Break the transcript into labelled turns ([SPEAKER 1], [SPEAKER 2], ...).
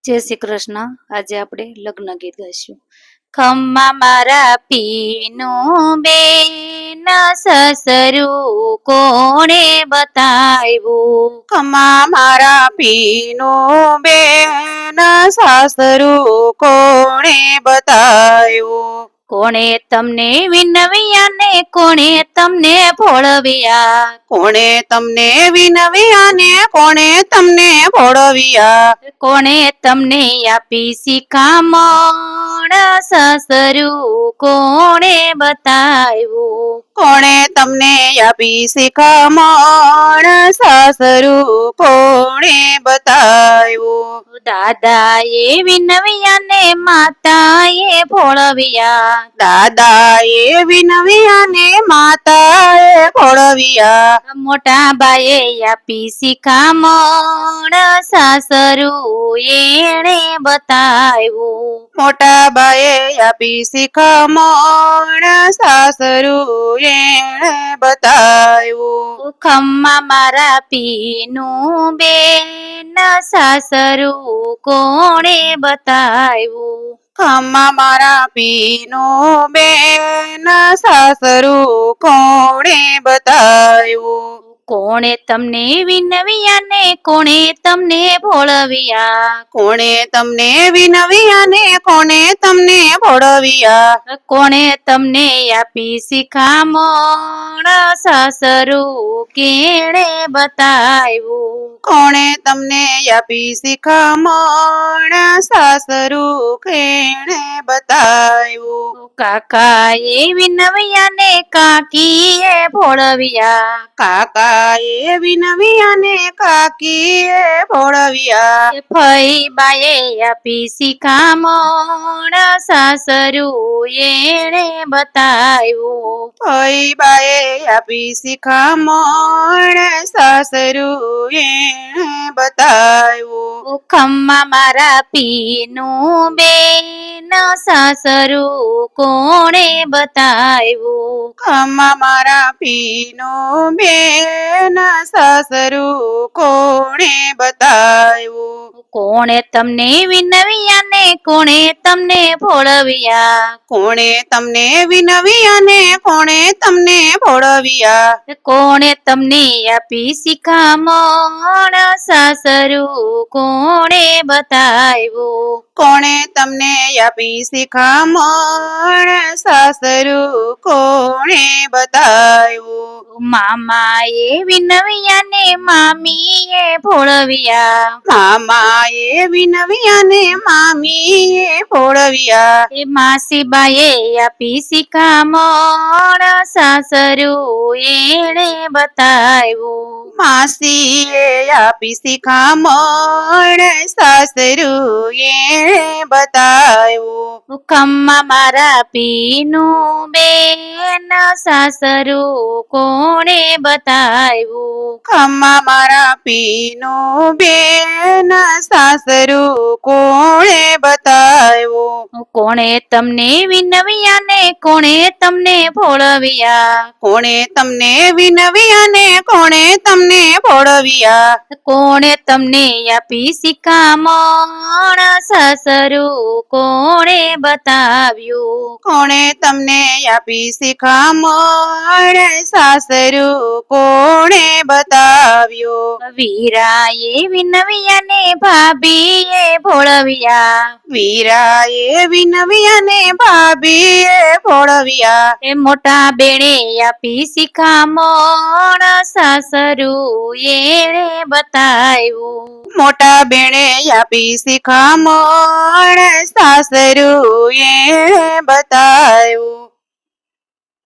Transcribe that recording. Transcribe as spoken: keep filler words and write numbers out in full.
[SPEAKER 1] જય શ્રી કૃષ્ણ. આજે આપણે લગ્ન ગીત ગાઈશું. ખમ્મા મારા પીનું બેન સસરું કોણે બતાવ્યું.
[SPEAKER 2] ખમ્મા મારા પીનો બેન સાસરું કોણે બતાવ્યું.
[SPEAKER 1] કોણે તમને વિનવ્યા ને કોણે તમને ભોળવ્યા.
[SPEAKER 2] કોણે તમને વિનવ્યા ને કોણે તમને ભોળવ્યા.
[SPEAKER 1] કોણે તમને આપી શિખામણ સસરું કોણે બતાવ્યું.
[SPEAKER 2] કોણે તમને આપી શિખામણ સાસરું કોણે બતાવ્યું.
[SPEAKER 1] દાદાએ વિનવ્યા ને માતાએ ભોળવ્યા.
[SPEAKER 2] દાદાએ વિનવ્યા ને માતાએ ભોળવ્યા.
[SPEAKER 1] મોટા બાએ આપી શિખામણ સાસરું એણે બતાવ્યું.
[SPEAKER 2] મોટા બાએ આપી શિખામણ સાસરું એણે બતાવ્યું.
[SPEAKER 1] ખમ્મા મારા પીનું બેન સાસરું કોણે બતાવ્યું.
[SPEAKER 2] ખમ્મા મારા પીનો બેન સાસરું કોણે બતાવ્યું.
[SPEAKER 1] કોણે તમને વિનવ્યા ને કોણે તમને ભોળવ્યા.
[SPEAKER 2] કોણે તમને વિનવ્યા ને કોણે તમને ભોળવ્યા.
[SPEAKER 1] કોણે તમને આપી શિખામણ સાસરું કેણે બતાવ્યું.
[SPEAKER 2] કોણે તમને આપી શિખામણ સાસરું કેણે બતાવ્યું.
[SPEAKER 1] કાકાએ વિનવ્યા ને કાકીએ ભોળવ્યા.
[SPEAKER 2] કાકાએ વિનવ્યા ને કાકીએ ભોળવ્યા.
[SPEAKER 1] ફઈ બાએ આપી શિખામણ સાસરું એણે બતાવ્યું.
[SPEAKER 2] ફઈ બાએ આપી શિખામણ સાસરું એણે બતાવ્યું.
[SPEAKER 1] ખમ્મા મારા પીનું બેન સાસરું કોણે બતાવ્યું.
[SPEAKER 2] ખમ્મા મારા પીનો બેન સાસરું કોણે બતાવ્યું.
[SPEAKER 1] કોણે તમને વિનવ્યા ને કોણે તમને ભોળવ્યા.
[SPEAKER 2] કોણે તમને વિનવ્યા ને કોણે તમને ભોળવ્યા.
[SPEAKER 1] કોણે તમને આપી શિખામણ સાસરું કોણે બતાવ્યું.
[SPEAKER 2] કોણે તમને આપી શિખામણ સાસરું કોણે બતાવ્યું.
[SPEAKER 1] મામાએ વિનવ્યા ને મામીએ ભોળવ્યા.
[SPEAKER 2] મામાએ વિનવ્યા ને મામીએ ભોળવ્યા.
[SPEAKER 1] એ માસીબાએ આપી શિખામણ સાસરું એણે બતાવ્યું.
[SPEAKER 2] માસીએ આપી શિખામણ સાસરું એણે બતાવ્યું.
[SPEAKER 1] ખમ્મા મારા પીનું બેન સાસરું કોણે બતાવ્યું.
[SPEAKER 2] ખમ્મા મારા પીનો બેન સાસરું કોણે બતાવ્યું.
[SPEAKER 1] કોણે તમને વિનવ્યા ને કોણે તમને ભોળવ્યા.
[SPEAKER 2] કોણે તમને વિનવ્યા ને કોણે તમને ભોળવ્યા.
[SPEAKER 1] કોણે તમને આપી શિખામણ સાસરું કોણે બતાવ્યું.
[SPEAKER 2] કોણે તમને આપી શિખામણ સાસરું કોણે બતાવ્યું.
[SPEAKER 1] વીરાએ વિનવ્યા ને ભાભીએ ભોળવ્યા.
[SPEAKER 2] વીરાએ વિનવ્યા ને ભાભીએ ભોળવ્યા.
[SPEAKER 1] એ મોટા બેણે આપી શિખામણ સાસરું એણે બતાવ્યું.
[SPEAKER 2] મોટા બેણે આપી શિખામણ સાસરું એણે બતાવ્યું.